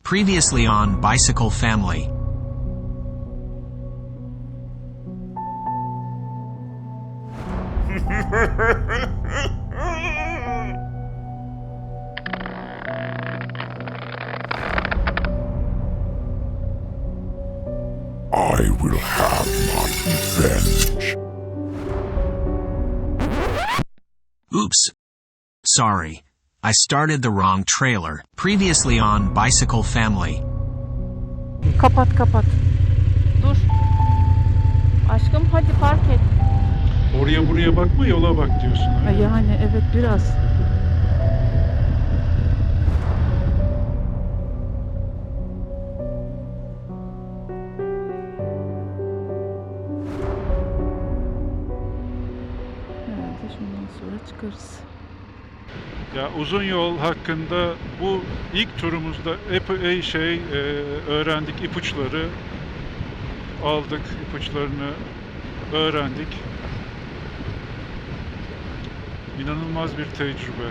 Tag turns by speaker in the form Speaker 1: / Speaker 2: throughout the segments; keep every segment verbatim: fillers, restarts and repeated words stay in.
Speaker 1: Previously on Bicycle Family.
Speaker 2: I will have my revenge.
Speaker 1: Oops. Sorry. I started the wrong trailer. Previously on Bicycle Family.
Speaker 3: Kapat kapat. Dur. Aşkım hadi park et.
Speaker 4: Oraya buraya bakma, yola bak diyorsun.
Speaker 3: Ha,
Speaker 4: öyle mi?
Speaker 3: Yani evet biraz. Herhalde şundan sonra çıkarız.
Speaker 4: Ya uzun yol hakkında bu ilk turumuzda epey şey e, öğrendik, ipuçları aldık, ipuçlarını öğrendik. İnanılmaz bir tecrübe.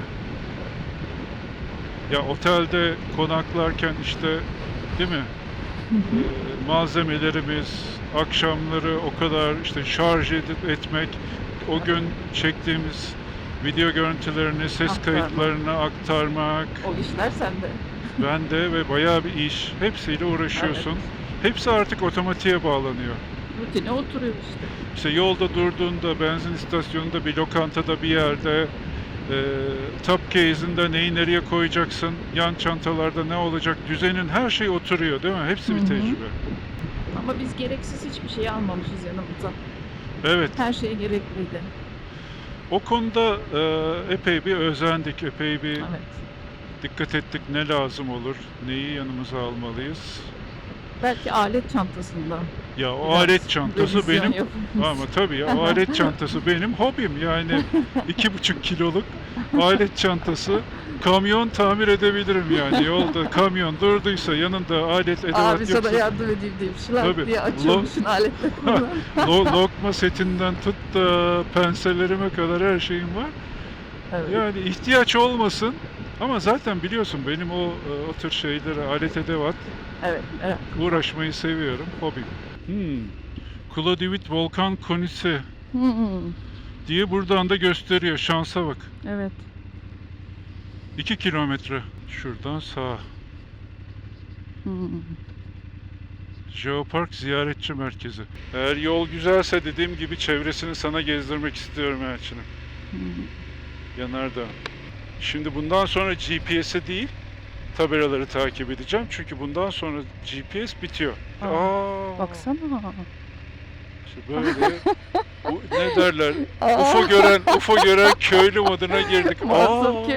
Speaker 4: Ya otelde konaklarken işte, değil mi? Ee, malzemelerimiz, akşamları o kadar işte şarj edip etmek, o gün çektiğimiz video görüntülerini, ses
Speaker 3: Aktarmak.
Speaker 4: kayıtlarını aktarmak,
Speaker 3: O işler sende.
Speaker 4: ben de ve bayağı bir iş. Hepsiyle uğraşıyorsun. Hepsi artık otomatiğe bağlanıyor.
Speaker 3: Rutine oturuyor işte.
Speaker 4: İşte yolda durduğunda, benzin istasyonunda, bir lokantada, bir yerde, e, top case'inde neyi nereye koyacaksın, yan çantalarda ne olacak, düzenin, her şey oturuyor değil mi? Hepsi
Speaker 3: Hı
Speaker 4: bir
Speaker 3: hı.
Speaker 4: tecrübe.
Speaker 3: Ama biz gereksiz hiçbir şey almamışız yanımıza.
Speaker 4: Evet,
Speaker 3: Her şey gerekliydi.
Speaker 4: o konuda e, epey bir özendik, epey bir
Speaker 3: Evet.
Speaker 4: dikkat ettik, ne lazım olur, neyi yanımıza almalıyız.
Speaker 3: Belki alet çantasında.
Speaker 4: Ya o
Speaker 3: biraz
Speaker 4: alet çantası
Speaker 3: revizyon
Speaker 4: benim,
Speaker 3: yapılmış.
Speaker 4: ama tabii ya, o alet çantası benim hobim yani. iki buçuk kiloluk alet çantası, kamyon tamir edebilirim yani. Yolda kamyon durduysa, yanında alet edevat
Speaker 3: Abi sana
Speaker 4: yoksa,
Speaker 3: yardım edeyim deyip şılar
Speaker 4: Tabii.
Speaker 3: diye açıyormuşsun aletle kullan.
Speaker 4: lo- lokma setinden tut da pensellerime kadar her şeyim var.
Speaker 3: Evet.
Speaker 4: Yani ihtiyaç olmasın, ama zaten biliyorsun benim o o tür şeylere, alet edevat
Speaker 3: Evet, evet.
Speaker 4: uğraşmayı seviyorum, hobim. Hmm. Kladivit Volkan Konisi
Speaker 3: Hı hı.
Speaker 4: diye buradan da gösteriyor. Şansa bak.
Speaker 3: Evet.
Speaker 4: iki kilometre şuradan sağa.
Speaker 3: Hı hı.
Speaker 4: Jeopark Ziyaretçi Merkezi. Eğer yol güzelse dediğim gibi çevresini sana gezdirmek istiyorum Elçin'im.
Speaker 3: Hı hı.
Speaker 4: Yanardağ. Şimdi bundan sonra G P S'e değil, tabelaları takip edeceğim. Çünkü bundan sonra G P S bitiyor.
Speaker 3: Aa,
Speaker 4: Aa,
Speaker 3: Baksana.
Speaker 4: işte böyle bu, ne derler?
Speaker 3: Aa.
Speaker 4: U F O gören, U F O gören köylü moduna girdik.
Speaker 3: Muazzam
Speaker 4: Aa,
Speaker 3: ki.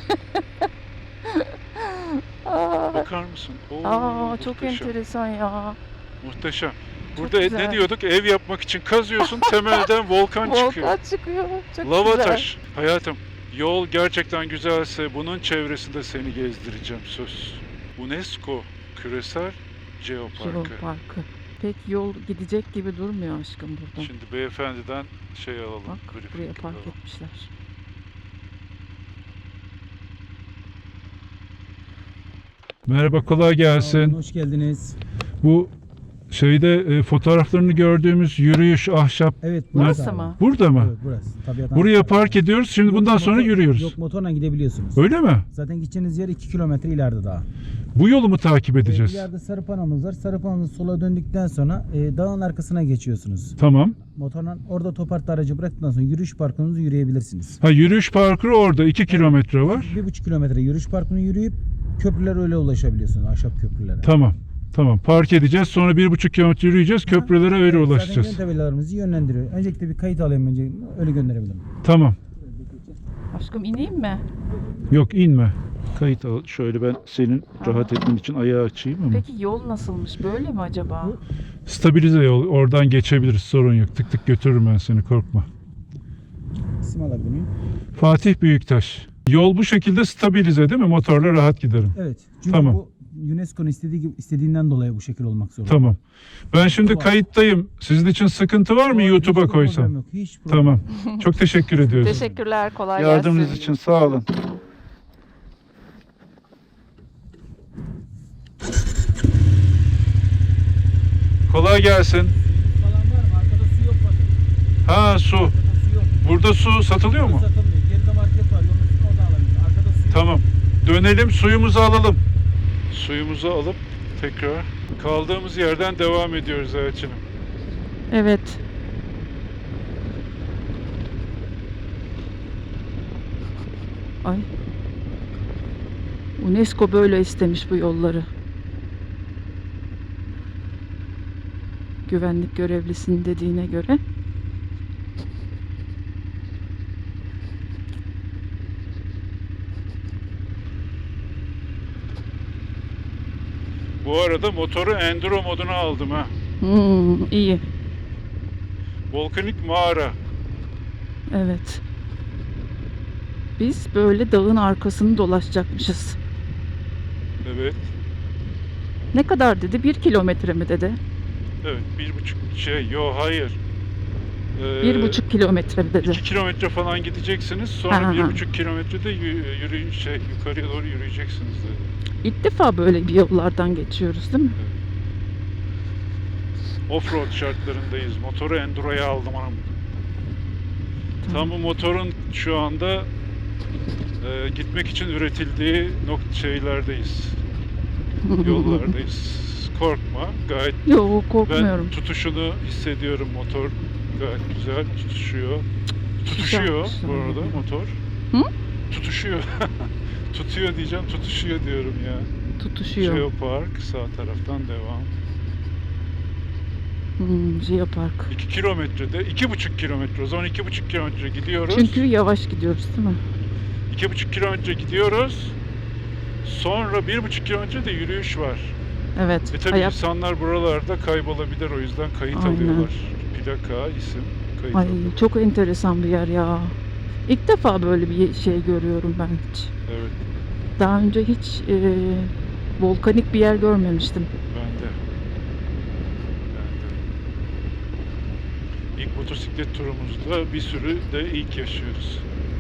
Speaker 3: Aa,
Speaker 4: bakar mısın? Oo,
Speaker 3: Aa, çok
Speaker 4: muhteşem.
Speaker 3: enteresan ya.
Speaker 4: Muhteşem.
Speaker 3: Çok
Speaker 4: Burada e,
Speaker 3: güzel.
Speaker 4: ne diyorduk? Ev yapmak için kazıyorsun, temelden volkan çıkıyor.
Speaker 3: Volkan çıkıyor. Çok
Speaker 4: Lava
Speaker 3: güzel.
Speaker 4: taş. Hayatım, yol gerçekten güzelse bunun çevresinde seni gezdireceğim, söz. UNESCO Küresel Jeoparkı.
Speaker 3: Jeoparkı. Pek yol gidecek gibi durmuyor aşkım burada.
Speaker 4: Şimdi beyefendiden şey alalım.
Speaker 3: Bak
Speaker 4: briefing
Speaker 3: buraya park
Speaker 4: alalım.
Speaker 3: etmişler.
Speaker 4: Merhaba, kolay gelsin.
Speaker 5: Hoş geldiniz.
Speaker 4: Bu şeyde e, fotoğraflarını gördüğümüz yürüyüş ahşap.
Speaker 5: Evet,
Speaker 3: Burası
Speaker 5: abi.
Speaker 3: mı?
Speaker 4: Burada mı?
Speaker 5: Evet, burası. Tabiattan
Speaker 4: Buraya
Speaker 5: sonra.
Speaker 4: park ediyoruz. Şimdi
Speaker 5: Yok,
Speaker 4: bundan sonra
Speaker 5: motor-
Speaker 4: yürüyoruz.
Speaker 5: Yok, motorla gidebiliyorsunuz.
Speaker 4: Öyle mi?
Speaker 5: Zaten gideceğiniz yer iki kilometre ileride daha.
Speaker 4: Bu yolu mu takip
Speaker 5: Ee,
Speaker 4: edeceğiz?
Speaker 5: İleride sarı panomuz var. Sarı panomuz sola döndükten sonra e, dağın arkasına geçiyorsunuz.
Speaker 4: Tamam.
Speaker 5: Motorla orada topartta aracı bıraktıktan sonra yürüyüş parkınızı yürüyebilirsiniz.
Speaker 4: Ha, yürüyüş parkuru orada iki kilometre var.
Speaker 5: Bir buçuk kilometre yürüyüş parkını yürüyüp köprüler öyle ulaşabiliyorsunuz. Ahşap köprülere.
Speaker 4: Tamam. Tamam. Park edeceğiz. Sonra bir buçuk kilometre yürüyeceğiz. Köprülere öyle
Speaker 5: Evet,
Speaker 4: ulaşacağız.
Speaker 5: Zaten yön tabelalarımızı yönlendiriyor. Öncelikle bir kayıt alayım, önce öyle gönderebilirim.
Speaker 4: Tamam.
Speaker 3: Aşkım ineyim mi?
Speaker 4: Yok, inme. Kayıt al. Şöyle ben senin rahat etmen için ayağı açayım ama.
Speaker 3: Peki yol nasılmış? Böyle mi acaba?
Speaker 4: Stabilize yol. Oradan geçebiliriz. Sorun yok. Tık tık götürürüm ben seni. Korkma.
Speaker 5: İsim alabilir miyim?
Speaker 4: Fatih Büyüktaş. Yol bu şekilde stabilize değil mi? Motorla rahat giderim.
Speaker 5: Evet. Çünkü
Speaker 4: Tamam.
Speaker 5: bu UNESCO'nun istediği gibi, istediğinden dolayı bu şekil olmak zorunda.
Speaker 4: Tamam. Ben şimdi
Speaker 5: Var.
Speaker 4: kayıttayım. Sizin için sıkıntı var mı
Speaker 5: Hiç
Speaker 4: YouTube'a
Speaker 5: problem
Speaker 4: koysam?
Speaker 5: yok, hiç problem
Speaker 4: Tamam. Çok teşekkür ediyoruz.
Speaker 3: Teşekkürler. Kolay
Speaker 4: Yardımınız
Speaker 3: gelsin.
Speaker 4: için sağ olun. Kolay gelsin.
Speaker 5: Falan var mı? Arkada su yok bakın.
Speaker 4: Ha, su.
Speaker 5: Arkada su yok.
Speaker 4: Burada su satılıyor mu?
Speaker 5: Satılmıyor. Geride market var. Yolun üstüne oradan alabiliriz. Arkada su yok.
Speaker 4: Tamam. Dönelim, suyumuzu alalım. Suyumuzu alıp tekrar kaldığımız yerden devam ediyoruz Elçin'im.
Speaker 3: Evet. Ay. UNESCO böyle istemiş bu yolları. Güvenlik görevlisinin dediğine göre.
Speaker 4: Bu arada motoru enduro moduna aldım ha.
Speaker 3: Hmm, iyi.
Speaker 4: Volkanik mağara.
Speaker 3: Evet. Biz böyle dağın arkasını dolaşacakmışız.
Speaker 4: Evet.
Speaker 3: Ne kadar dedi? Bir kilometre mi dedi?
Speaker 4: Evet. Bir buçuk şey. Yo, hayır. Ee,
Speaker 3: Bir buçuk kilometre mi dedi?
Speaker 4: iki kilometre falan gideceksiniz. Sonra
Speaker 3: Ha, ha,
Speaker 4: bir
Speaker 3: ha.
Speaker 4: buçuk kilometrede yü- yürüyün şey yukarıya doğru yürüyeceksiniz dedi.
Speaker 3: İlk defa böyle bir yollardan geçiyoruz değil mi?
Speaker 4: Offroad şartlarındayız. Motoru enduro'ya aldım hanım. Tam bu motorun şu anda e, gitmek için üretildiği nokta şeylerdeyiz. Yollardayız. Korkma. Gayet
Speaker 3: Yok, korkmuyorum.
Speaker 4: ben tutuşunu hissediyorum, motor gayet güzel tutuşuyor. Tutuşuyor
Speaker 3: Güzel,
Speaker 4: bu
Speaker 3: güzel.
Speaker 4: arada motor.
Speaker 3: Hı?
Speaker 4: Tutuşuyor. Tutuyor diyeceğim, tutuşuyor diyorum ya.
Speaker 3: Tutuşuyor.
Speaker 4: Geopark sağ taraftan devam.
Speaker 3: Hmm, Geopark.
Speaker 4: iki kilometrede, iki buçuk kilometre, o zaman iki buçuk kilometre gidiyoruz.
Speaker 3: Çünkü yavaş gidiyoruz değil mi?
Speaker 4: iki buçuk kilometre gidiyoruz. Sonra bir buçuk kilometre de yürüyüş var.
Speaker 3: Evet.
Speaker 4: E tabii
Speaker 3: ayak-
Speaker 4: insanlar buralarda kaybolabilir, o yüzden kayıt
Speaker 3: Aynen.
Speaker 4: alıyorlar. Plaka, isim, kayıt
Speaker 3: Ay,
Speaker 4: alıyorlar.
Speaker 3: çok enteresan bir yer ya. İlk defa böyle bir şey görüyorum ben hiç.
Speaker 4: Evet,
Speaker 3: Daha önce hiç e, volkanik bir yer görmemiştim.
Speaker 4: ben de. Ben de. İlk motosiklet turumuzda bir sürü de ilk yaşıyoruz.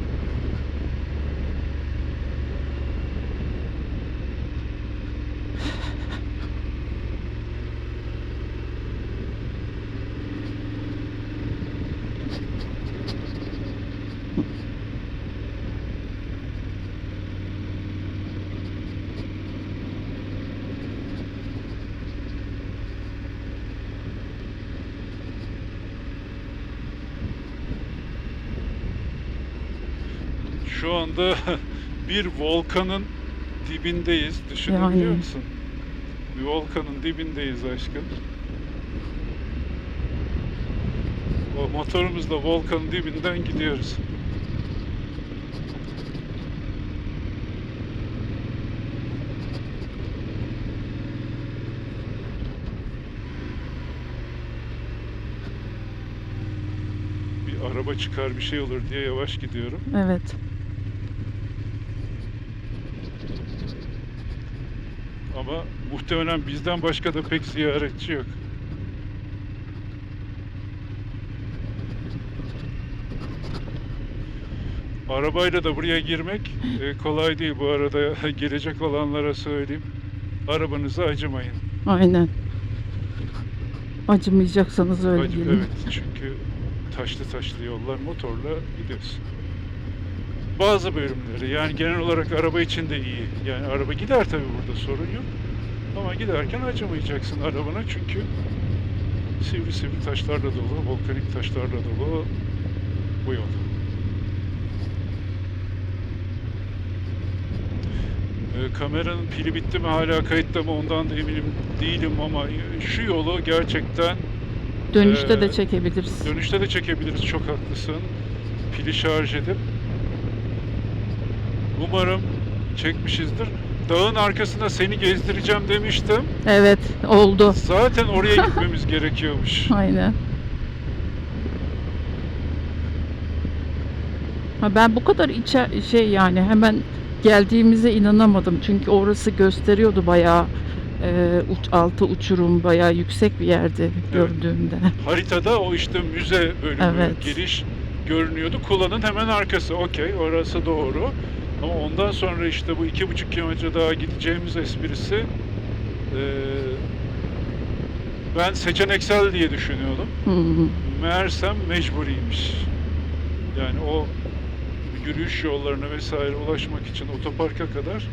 Speaker 4: Şu anda bir volkanın dibindeyiz. Düşünebiliyor
Speaker 3: Yani.
Speaker 4: musun? Bir volkanın dibindeyiz aşkım. O motorumuzla volkanın dibinden gidiyoruz. Bir araba çıkar, bir şey olur diye yavaş gidiyorum.
Speaker 3: Evet.
Speaker 4: Ama muhtemelen bizden başka da pek ziyaretçi yok. Arabayla da buraya girmek e, kolay değil bu arada. Gelecek olanlara söyleyeyim. Arabanıza acımayın.
Speaker 3: Aynen. Acımayacaksanız öyle
Speaker 4: Acı,
Speaker 3: gelin.
Speaker 4: evet, çünkü taşlı taşlı yollar, motorla gidiyorsun. Bazı bölümleri, yani genel olarak araba için de iyi. Yani araba gider tabii, burada sorun yok. Ama giderken acımayacaksın arabana, çünkü sivri sivri taşlarla dolu, volkanik taşlarla dolu bu yol. Ee, kameranın pili bitti mi, hala kayıtta mı, ondan da eminim değilim, ama şu yolu gerçekten
Speaker 3: Dönüşte
Speaker 4: Ee,
Speaker 3: de çekebiliriz.
Speaker 4: dönüşte de çekebiliriz, çok haklısın. Pili şarj edip umarım çekmişizdir. Dağın arkasında seni gezdireceğim demiştim.
Speaker 3: Evet, oldu.
Speaker 4: Zaten oraya gitmemiz gerekiyormuş.
Speaker 3: Aynen. Ha, ben bu kadar içe şey yani hemen geldiğimize inanamadım. Çünkü orası gösteriyordu bayağı e, uç, altı uçurum, bayağı yüksek bir yerdi gördüğümde.
Speaker 4: Haritada o işte müze bölümü,
Speaker 3: Evet.
Speaker 4: giriş görünüyordu. Kula'nın hemen arkası. Okey, orası doğru. Ama ondan sonra işte bu iki buçuk kilometre daha gideceğimiz esprisi eee Ben seçeneksel diye düşünüyordum.
Speaker 3: Hı hı.
Speaker 4: Meğersem mecburiymiş. Yani o yürüyüş yollarına vesaire ulaşmak için otoparka kadar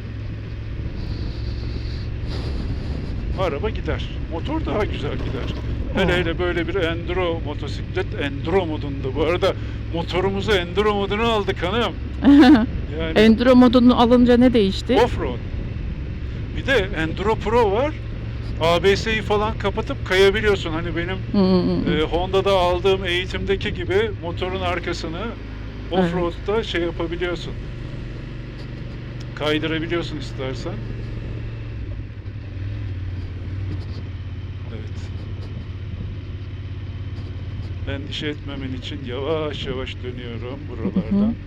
Speaker 4: araba gider. Motor daha güzel gider. Hele
Speaker 3: Oh.
Speaker 4: hele böyle bir enduro motosiklet, enduro modunda. Bu arada motorumuzu enduro moduna aldık hanım. Yani
Speaker 3: Enduro modunu alınca ne değişti?
Speaker 4: offroad. Bir de Enduro Pro var. A B S'yi falan kapatıp kayabiliyorsun. Hani benim
Speaker 3: Hı.
Speaker 4: e, Honda'da aldığım eğitimdeki gibi motorun arkasını offroad'da şey yapabiliyorsun. Kaydırabiliyorsun istersen. Evet. Endişe etmemen için yavaş yavaş dönüyorum buralardan.
Speaker 3: Hı hı.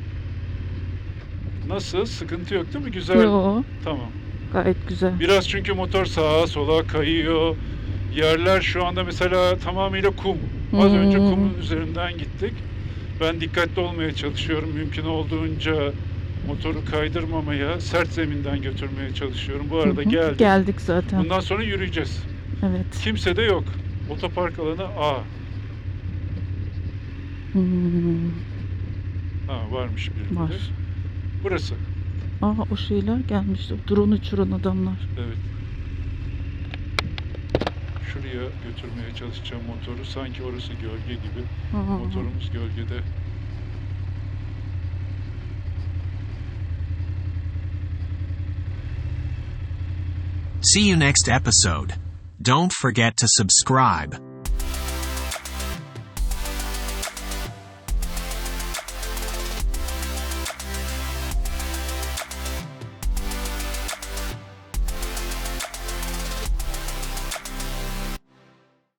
Speaker 4: Nasıl? Sıkıntı yok değil mi? Güzel.
Speaker 3: Yo,
Speaker 4: Tamam.
Speaker 3: gayet güzel.
Speaker 4: Biraz çünkü motor sağa sola kayıyor. Yerler şu anda mesela tamamıyla kum. Az önce
Speaker 3: Hmm.
Speaker 4: kumun üzerinden gittik. Ben dikkatli olmaya çalışıyorum. Mümkün olduğunca motoru kaydırmamaya, sert zeminden götürmeye çalışıyorum. Bu arada
Speaker 3: Hı hı.
Speaker 4: geldim.
Speaker 3: Geldik zaten.
Speaker 4: Bundan sonra yürüyeceğiz.
Speaker 3: Evet.
Speaker 4: Kimse de yok. Otopark alanı A.
Speaker 3: Hmm.
Speaker 4: Ha varmış birileri.
Speaker 3: Var.
Speaker 4: Burası.
Speaker 3: Aa, o şeyler gelmişti. Drone uçuran adamlar.
Speaker 4: Evet. Şuraya götürmeye çalışacağım motoru. Sanki orası gölge gibi.
Speaker 3: Hı hı.
Speaker 4: Motorumuz gölgede.
Speaker 1: See you next episode. Don't forget to subscribe.